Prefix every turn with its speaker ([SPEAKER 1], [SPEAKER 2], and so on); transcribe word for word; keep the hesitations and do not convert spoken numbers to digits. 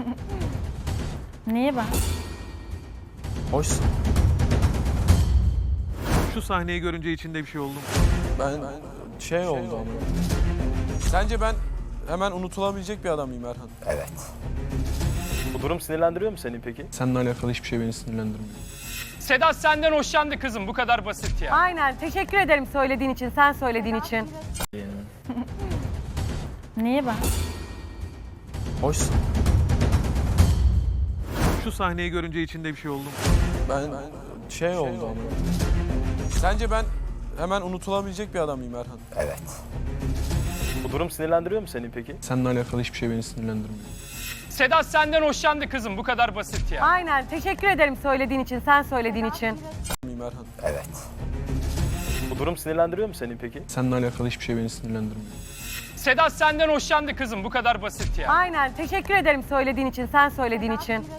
[SPEAKER 1] Niye ben?
[SPEAKER 2] Hoşsun.
[SPEAKER 3] Şu sahneyi görünce içinde bir şey oldu mu?
[SPEAKER 2] Ben şey oldu ama. Sence ben hemen unutulabilecek bir adam mıyım Erhan?
[SPEAKER 4] Evet.
[SPEAKER 5] Bu durum sinirlendiriyor mu seni peki?
[SPEAKER 2] Seninle alakalı hiçbir şey beni sinirlendirmiyor.
[SPEAKER 6] Sedat senden hoşlandı kızım. Bu kadar basit ya.
[SPEAKER 7] Aynen. Teşekkür ederim söylediğin için, sen söylediğin için.
[SPEAKER 1] Niye ben?
[SPEAKER 2] Hoşsun.
[SPEAKER 3] Şu sahneyi görünce içinde bir şey oldu mu?
[SPEAKER 2] Ben şey oldu ama. Sence ben hemen unutulabilecek bir adam mıyım Erhan?
[SPEAKER 4] Evet.
[SPEAKER 5] Bu durum sinirlendiriyor mu seni peki?
[SPEAKER 2] Seninle alakalı hiçbir şey beni sinirlendirmiyor.
[SPEAKER 6] Sedat senden hoşlandı kızım. Bu kadar basit ya.
[SPEAKER 7] Aynen. Teşekkür ederim söylediğin için, sen söylediğin için.
[SPEAKER 2] Miyim Erhan?
[SPEAKER 4] Evet.
[SPEAKER 5] Bu durum sinirlendiriyor mu seni peki?
[SPEAKER 2] Seninle alakalı hiçbir şey beni sinirlendirmiyor.
[SPEAKER 6] Sedat senden hoşlandı kızım. Bu kadar basit ya.
[SPEAKER 7] Aynen. Teşekkür ederim söylediğin için, sen söylediğin için.